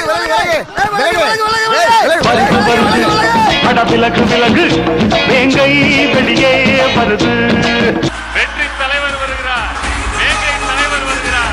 விலகு விலகு வேங்கை வெளியே வருது. வெற்றி தலைவர் வருகிறார், வேங்கை தலைவர் வருகிறார்,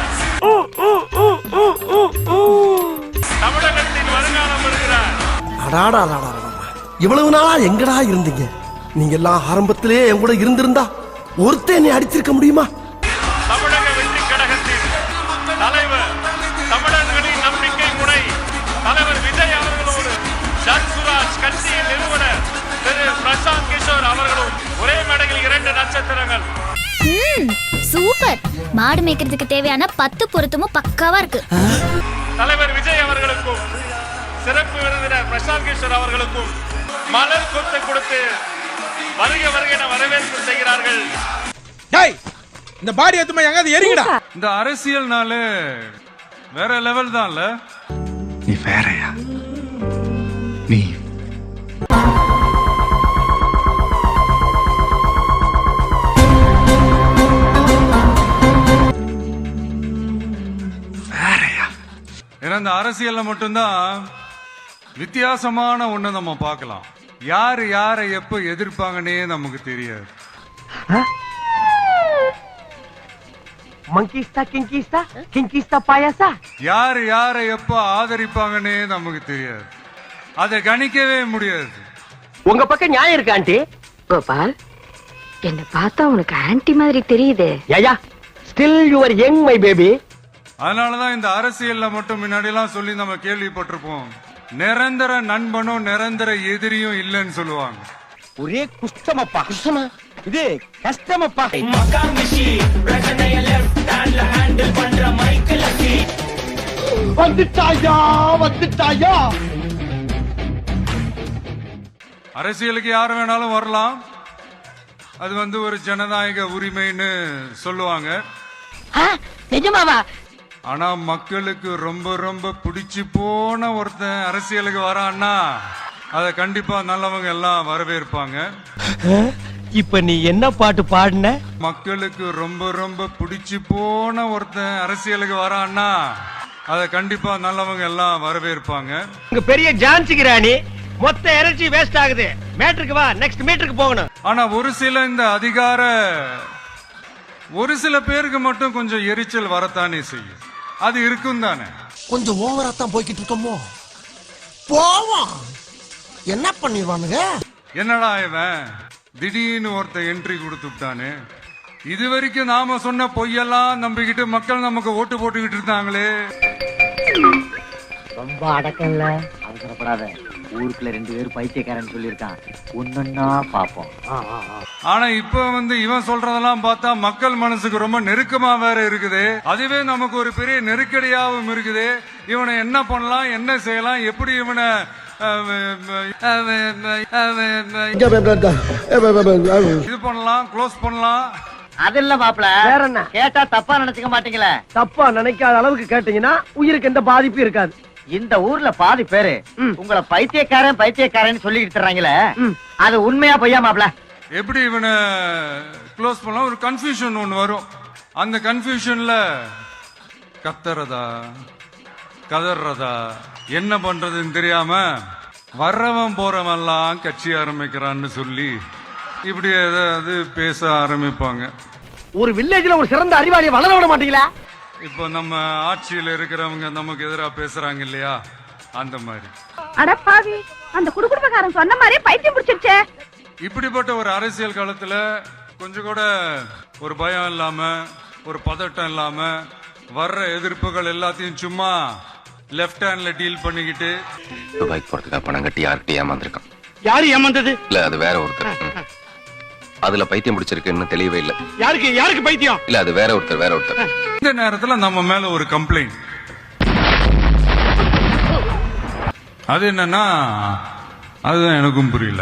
தமிழகத்தின் வருங்காலம் வருகிறார். இவ்வளவு நாளா எங்கடா இருந்தீங்க? நீங்க எல்லாம் ஆரம்பத்திலே என் கூட இருந்திருந்தா ஒருத்தன் என்னை அடிச்சிருக்க முடியுமா? தமிழக வெற்றி கழகத்தின் தலைவர், தமிழர்களின் நம்பிக்கை முறை தலைவர் விஜய் அவர்களோடு ஜன்சுராஜ் கட்சியின் நிறுவனர் திரு பிரசாந்த் கிஷோர் அவர்களும் ஒரே மேடையில் 2 நட்சத்திரங்கள். சூப்பர். மாடு மேய்க்கிறதுக்கு தேவையான 10 பொருத்தமும் பக்காவா இருக்கு. தலைவர் விஜய் அவர்களுக்கும் சிறப்பு விருந்தினர் பிரசாந்த் கிஷோர் அவர்களுக்கும் மலர் கொத்து கொடுத்து வருக வருக என வரவேற்பு செய்கிறார்கள். இந்த பாடி எத்துமா எங்காவது எரிங்கடா. இந்த அரசியல்னால வேற லெவல் தான்ல. நீ வேறயா? நீ வேறயா? ஏன்னா இந்த அரசியல்ல மட்டும்தான் வித்தியாசமான ஒண்ணு நம்ம பார்க்கலாம். யாரு யாரை எப்ப எதிர்ப்பாங்கன்னே நமக்கு தெரியாது. மங்கிஸ்தா கிங்கிஸ்தா கிங்கிஸ்தா பாயாசா. யாரு யாரை எப்ப ஆதரிப்பாங்கன்னே நமக்கு தெரியாது. அதை கணிக்கவே முடியாது. உங்க பக்கம் நியாயம் இருக்கு ஆண்டி. கோபால், என்ன பார்த்தா உனக்கு ஆன்டி மாதிரி தெரியுதே. Yeah still you are young my baby. அதனாலதான் இந்த அரசியல்ல மட்டும் முன்னாடி எல்லாம் சொல்லி நம்ம கேள்விப்பட்டிருப்போம், நிரந்தர நண்பனும் நிரந்தர எதிரியும் இல்லைன்னு சொல்லுவாங்க. ஒரே குஷ்டமப்பா. குஷ்டமா? இது கஷ்டமப்பா. வந்துட்டாயா வந்துட்டாயா. அரசியலுக்கு யார் வேணாலும் வரலாம், அது ஒரு ஜனநாயக உரிமைன்னு சொல்லுவாங்க. நிஜமாவா? ஆனா மக்களுக்கு ரொம்ப ரொம்ப பிடிச்சு போன ஒருத்தன் அரசியலுக்கு வரான்னா அத கண்டிப்பா நல்லவங்க எல்லாம் வரவேற்பாங்க. இப்ப நீ என்ன பாட்டு பாடுன? மக்களுக்கு ரொம்ப ரொம்ப பிடிச்சு போன ஒருத்தன் அரசியலுக்கு வரான்னா அத கண்டிப்பா நல்லவங்க எல்லாம் வரவேற்பாங்க. இங்க பெரிய ஜான்சி கிராணி, மொத்த எனர்ஜி வேஸ்ட் ஆகுது. மேட்ருக்கு வா, நெக்ஸ்ட் மீட்டருக்கு போகணும். ஆனா ஒரு சில பேருக்கு மட்டும் கொஞ்சம் எரிச்சல் வரத்தானே செய்யும். அது இருக்கும் தானே. கொஞ்சம் ஓவரா தான் போய்கிட்டு இருக்கோமோ. போவோம், என்ன பண்ணிடுவானுங்க? என்னடா இவன் திடீர்னு ஒருத்தன் என்ட்ரி கொடுத்துட்டானே. இது வரைக்கும் நாம சொன்ன பொய்யெல்லாம் நம்பிக்கிட்டு மக்கள் நமக்கு ஓட்டு போட்டுக்கிட்டு இருந்தாங்களே. ரொம்ப அடக்கம்ல, அவசரப்படாத. ஊருக்குள்ள 2 பேர் பைத்தியக்காரன் சொல்லியிருக்கான், ஒன்னொன்னா பாப்போம். ஆனா இப்ப இவன் சொல்றதெல்லாம் பார்த்தா மக்கள் மனசுக்கு ரொம்ப நெருக்கமா வேற இருக்குது. அதுவே நமக்கு ஒரு பெரிய நெருக்கடியாவும் இருக்குது. இவனை என்ன பண்ணலாம், என்ன செய்யலாம், எப்படி இவனை இது பண்ணலாம், க்ளோஸ் பண்ணலாம். அது இல்ல மாப்பிள, வேற என்ன கேட்டா தப்பா நினைச்சுக்க மாட்டீங்களே. தப்பா நினைக்காத அளவுக்கு கேட்டீங்கன்னா உயிருக்கு எந்த பாதிப்பும் இருக்காது. இந்த ஊர்ல பாதி பேரு உங்களை பைத்தியக்காரன் பைத்தியக்காரன் சொல்லிட்டு தர்றாங்களே, அது உண்மையா பொய்யா மாப்பிள? எப்படி இவனை க்ளோஸ் பண்ணலாம்? ஒரு கன்ஃபியூஷன் ஒண்ணு வரும். அந்த கன்ஃபியூஷன்ல கத்துறதா கதறதா என்ன பண்றதுன்னு தெரியாம வர்றவன் போறவெல்லாம் கட்சி ஆரம்பிக்கிறான்னு சொல்லி இப்படி ஏதாவது பேச ஆரம்பிப்பாங்க. ஒரு வில்லேஜ்ல ஒரு சிறந்த அறிவாளியை வளர விட மாட்டீங்களா? இப்போ நம்ம ஆட்சியில இருக்கிறவங்க நமக்கு எதிராக பேசுறாங்க இல்லையா, அந்த மாதிரி. அடப்பாவி, அந்த குடுகுடுப்பக்காரன் சொன்ன மாதிரி பைத்தியம் பிடிச்சிருச்சே. இப்படிப்பட்ட ஒரு அரசியல் காலத்துல கொஞ்சம் கூட ஒரு பயம் இல்லாம, ஒரு பதட்டம் இல்லாம, வர்ற எதிர்ப்புகள் எல்லாத்தையும் சும்மா லெஃப்ட் ஹேண்ட்ல டீல் பண்ணிக்கிட்டு துபாய்க்கு போறதுக்காக பணம் கட்டி யார்கிட்ட ஏமாந்துருக்கான். யாரு ஏமாந்தது? இல்ல அது வேற ஒருத்தர். அதுல பைத்தியம் பிடிச்சிருக்குன்னு தெளிவே இல்ல. யாருக்கு பைத்தியம்? இல்ல அது வேற ஒருத்தர். இந்த நேரத்துல நம்ம மேல ஒரு கம்ப்ளைண்ட். அது என்னன்னா, அதுதான் எனக்கும் புரியல.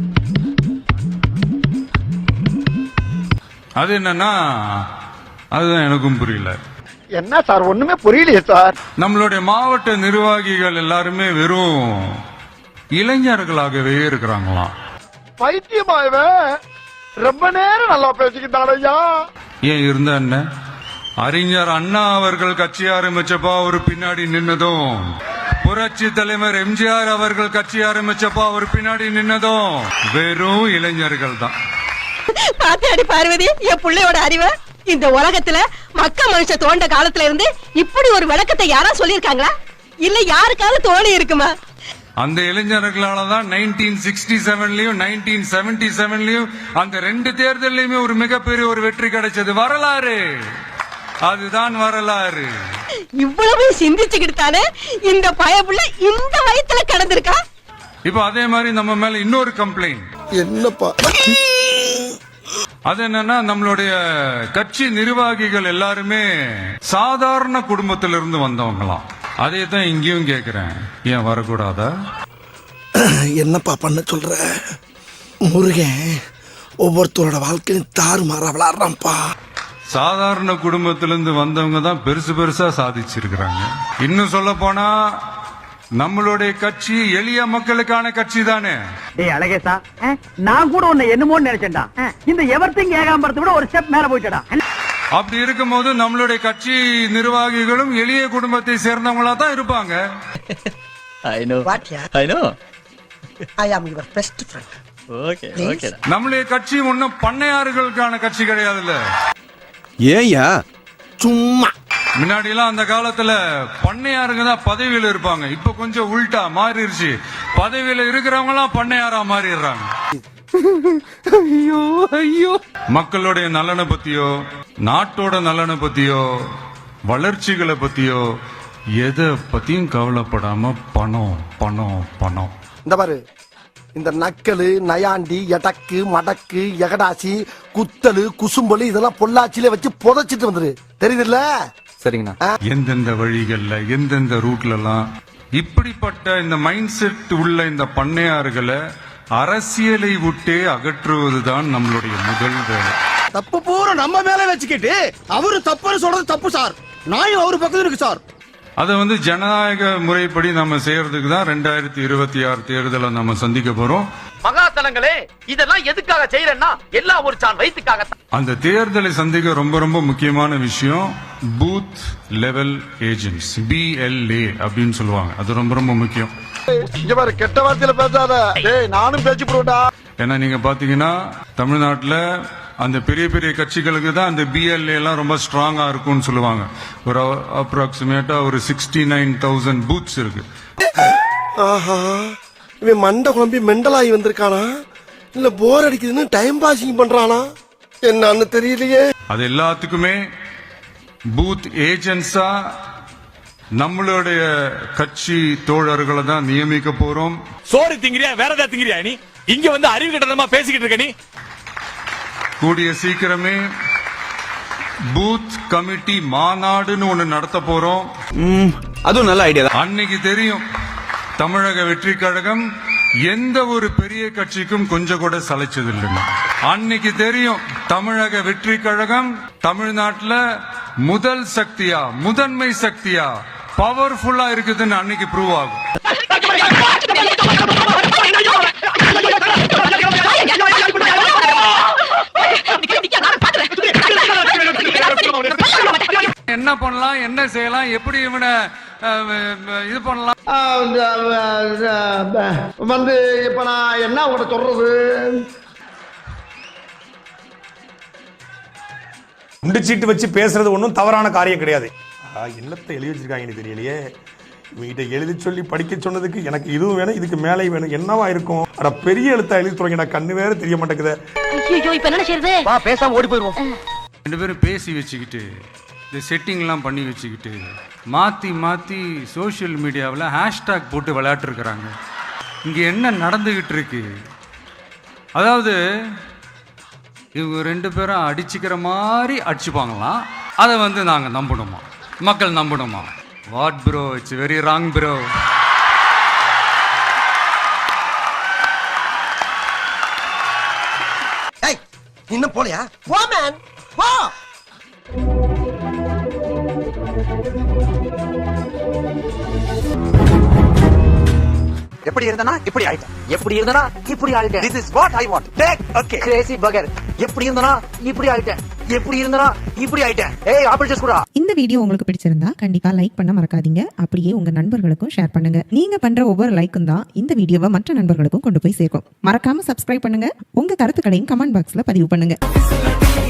என்ன சார், ஒண்ணுமே புரியலையே சார். நம்மளுடைய மாவட்ட நிர்வாகிகள் எல்லாருமே வெறும் இளைஞர்களாகவே இருக்கிறாங்களாம். பைத்தியமாயவே ரொம்ப நேரம் நல்லா பேசிக்கிட்டாரையா. ஏன் இருந்தா என்ன? அறிஞர் அண்ணா அவர்கள் கட்சி ஆரம்பிச்சப்பா அவர் பின்னாடி நின்னதும் புரட்சி தலைவர் எம்ஜிஆர் அவர்கள் கட்சி ஆரம்பிச்சப்போ அவர் பின்னாடி நின்னதும் வெறும் இளைஞர்கள் தான். பாத்தாடி பார்வதி, என் பிள்ளையோட அறிவை. இந்த உலகத்துல மக்க மனுஷ தோண்ட காலத்துல இருந்து இப்படி ஒரு விளக்கத்தை யாரா சொல்லிருக்காங்களா? இல்ல யாருக்காவது தோணி இருக்குமா? அந்த இளைஞர்களாலதான் 1967லயும் 1977லயும் அந்த 2 தேர்தலையுமே ஒரு மிகப்பெரிய ஒரு வெற்றி கிடைச்சது. வரலாறு, அதுதான் வரலாறு. இவ்வளவு சிந்திச்சுக்கிட்டு தானே இந்த பயப்புள்ள இந்த வயத்துல கடந்திருக்கா. இப்ப அதே மாதிரி நம்ம மேல இன்னொரு கம்ப்ளைண்ட். என்னப்பா? அது என்னன்னா, நம்மளுடைய கட்சி நிர்வாகிகள் எல்லாருமே சாதாரண குடும்பத்திலிருந்து வந்தவங்களாம். அதே தான் இங்கேயும் கேக்குறேன், ஏன் வரக்கூடாதா? என்னப்பா பண்ண சொல்ற? முருகன் ஒவ்வொருத்தரோட வாழ்க்கையும் தாறுமாறா விளாடுறான்ப்பா. சாதாரண குடும்பத்திலிருந்து வந்தவங்க தான் பெருசு பெருசா சாதிச்சிருக்கிறாங்க. இன்னும் சொல்ல போனா நம்மளுடைய கட்சி எளிய மக்களுக்கான கட்சி தானே. டேய் அழகேசா, நான் கூட உன்னை என்னமோன்னு நினைச்சேன்டா. இந்த எவர்த்திங் ஏகாம்பரத்தை விட ஒரு ஸ்டெப் மேல போயிட்டடா. அப்படி இருக்கும்போது நம்மளுடைய கட்சி நிர்வாகிகளும் எளிய குடும்பத்தை சேர்ந்தவங்களா தான் இருப்பாங்க. நம்மளுடைய கட்சி ஒன்னும் பண்ணையாறுகளுக்கான கட்சி கிடையாதுல்ல. ஏயா சும்மா? முன்னாடி எல்லாம் அந்த காலத்துல பண்ணையாருங்க தான் பதவியில இருப்பாங்க. இப்ப கொஞ்சம் உள்டா மாறிடுச்சு. பதவியில இருக்கிறவங்க எல்லாம் பண்ணையாரா மாறிடுறாங்க. ஐயோ ஐயோ. மக்களுடைய நலனை பத்தியோ, நாட்டோட நலனை பத்தியோ, வளர்ச்சிகளை பத்தியோ எதை பத்தியும் கவலைப்படாம பணம் பணம் பணம். இந்த பாரு, இந்த நக்கலு, நயாண்டி, எடக்கு, மடக்கு, எகடாசி, குத்தலு, குசும்பலு இதெல்லாம் பொள்ளாச்சியில வச்சு புதைச்சிட்டு வந்துரு. தெரியுதுல்ல? சரிங்கண்ணா. எந்தெந்த வழிகள்ல, எந்தெந்த ரூட்ல எல்லாம் இப்படிப்பட்ட இந்த மைண்ட் செட் உள்ள இந்த பண்ணையாறுகளை அரசியலை விட்டே அகற்றுவதுதான் நம்மளுடைய முதல் வேலை. தப்பு பூரா நம்ம மேல வச்சுக்கிட்டு அவரு தப்புன்னு சொல்றது தப்பு சார். நாயும் அவரு பக்கத்துல இருக்கு சார். அதை ஜனநாயக முறைப்படி நம்ம செய்யறதுக்கு தான் 2026 தேர்தலை நம்ம சந்திக்க போறோம். மகாசனங்களே, இதெல்லாம் எதுக்காக செய்யறேன்னா எல்லாம் ஒரு சான் வயிற்றுக்காக. அந்த தேர்தலை சந்திக்க ரொம்ப ரொம்ப முக்கியமான விஷயம் பூத் லெவல் ஏஜென்ட்ஸ், BLA அப்படின்னு சொல்லுவாங்க. அது ரொம்ப ரொம்ப முக்கியம். இங்க பாரு, கெட்ட வார்த்தையில பேசாத. டேய் நானும் பேச்சு போறேன்டா. ஏன்னா நீங்க பாத்தீங்கன்னா தமிழ்நாட்டுல அந்த பெரிய பெரிய கட்சிகளுக்கு தான் அந்த BLA எல்லாம் ரொம்ப ஸ்ட்ராங்கா இருக்கும்னு சொல்லுவாங்க. ஒரு அப்ராக்சிமேட்டா ஒரு 69,000 பூத்ஸ் இருக்கு. ஆஹா, இவன் மண்டை குழம்பி மெண்டலாகி வந்திருக்கானா இல்ல போர் அடிக்குதுன்னு டைம் பாசிங் பண்றானா என்னன்னு தெரியலையே. அது எல்லாத்துக்குமே பூத் ஏஜென்ட்ஸா நம்மளுடைய கட்சி தோழர்களை தான் நியமிக்க போறோம். சோறு திங்கிறியா வேற ஏதாவது திங்கிறியா? நீ இங்க வந்து அறிவு கட்டணமா பேசிக்கிட்டு இருக்க. நீ கூடிய சீக்கிரமே பூத் கமிட்டி மாநாடுன்னு ஒண்ணு நடத்த போறோம். அதுவும் நல்ல ஐடியா தான். அன்னைக்கு தெரியும் தமிழக வெற்றி கழகம் எந்த ஒரு பெரிய கட்சிக்கும் கொஞ்சம் கூட சளைச்சது இல்லைன்னு. அன்னைக்கு தெரியும் தமிழக வெற்றி கழகம் தமிழ்நாட்டுல முதல் சக்தியா, முதன்மை சக்தியா, பவர்ஃபுல்லா இருக்குதுன்னு அன்னைக்கு ப்ரூவ் ஆகும். என்ன பண்ணலாம், என்ன செய்யலாம், எப்படி இவனை இது பண்ணலாம் வந்து இப்ப நான் என்ன உங்கள்ட்ட சொல்றது? குண்டு சீட்டு வச்சு பேசுறது ஒன்றும் தவறான காரியம் கிடையாது. என்னத்தை எழுதி வச்சிருக்காங்கன்னு தெரியலையே. இவங்கிட்ட எழுதி சொல்லி படிக்க சொன்னதுக்கு எனக்கு இதுவும் வேணும், இதுக்கு மேலே வேணும். என்னவா இருக்கும்? அட பெரிய எழுத்தா எழுதி சொல்றீங்க, கண்ணு வேற தெரிய மாட்டேங்குது. இப்ப என்ன செய்யறது? வா பேசாம ஓடி போயிருவோம். 2 பேரும் பேசி வச்சுக்கிட்டு இந்த செட்டிங்லாம் பண்ணி வச்சுக்கிட்டு மாத்தி மாத்தி சோசியல் மீடியாவில் ஹேஷ்டாக் போட்டு விளையாட்டுருக்கிறாங்க. இங்க என்ன நடந்துகிட்டு இருக்கு? அதாவது இவங்க 2 பேரும் அடிச்சுக்கிற மாதிரி அடிச்சுப்பாங்களாம். அதை நாங்க நம்பணுமா? மக்கள் நம்பணுமா? What bro, it's very wrong bro. இன்னும் போலையா? போ மேன் போ. எப்படி இருந்தனா இப்படி ஆயிட்டேன், எப்படி இருந்தனா இப்படி ஆயிட்டேன். This is what I want. Take okay. Crazy burger. எப்படி இருந்தனா இப்படி ஆயிட்டேன், எப்படி இருந்தா இப்படி ஆயிட்டேன். ஏய் ஆப்பிள் ஜூஸ் குடா. இந்த வீடியோ உங்களுக்கு பிடிச்சிருந்தா கண்டிப்பா லைக் பண்ண மறக்காதீங்க. அப்படியே உங்க நண்பர்களுக்கும் ஷேர் பண்ணுங்க. நீங்க பண்ற ஒவ்வொரு லைக்கும் தான் இந்த வீடியோவை மற்ற நண்பர்களுக்கும் கொண்டு போய் சேர்க்கும். மறக்காம சப்ஸ்கிரைப் பண்ணுங்க. உங்க கருத்துக்களையும் கமெண்ட் பாக்ஸ்ல பதிவு பண்ணுங்க.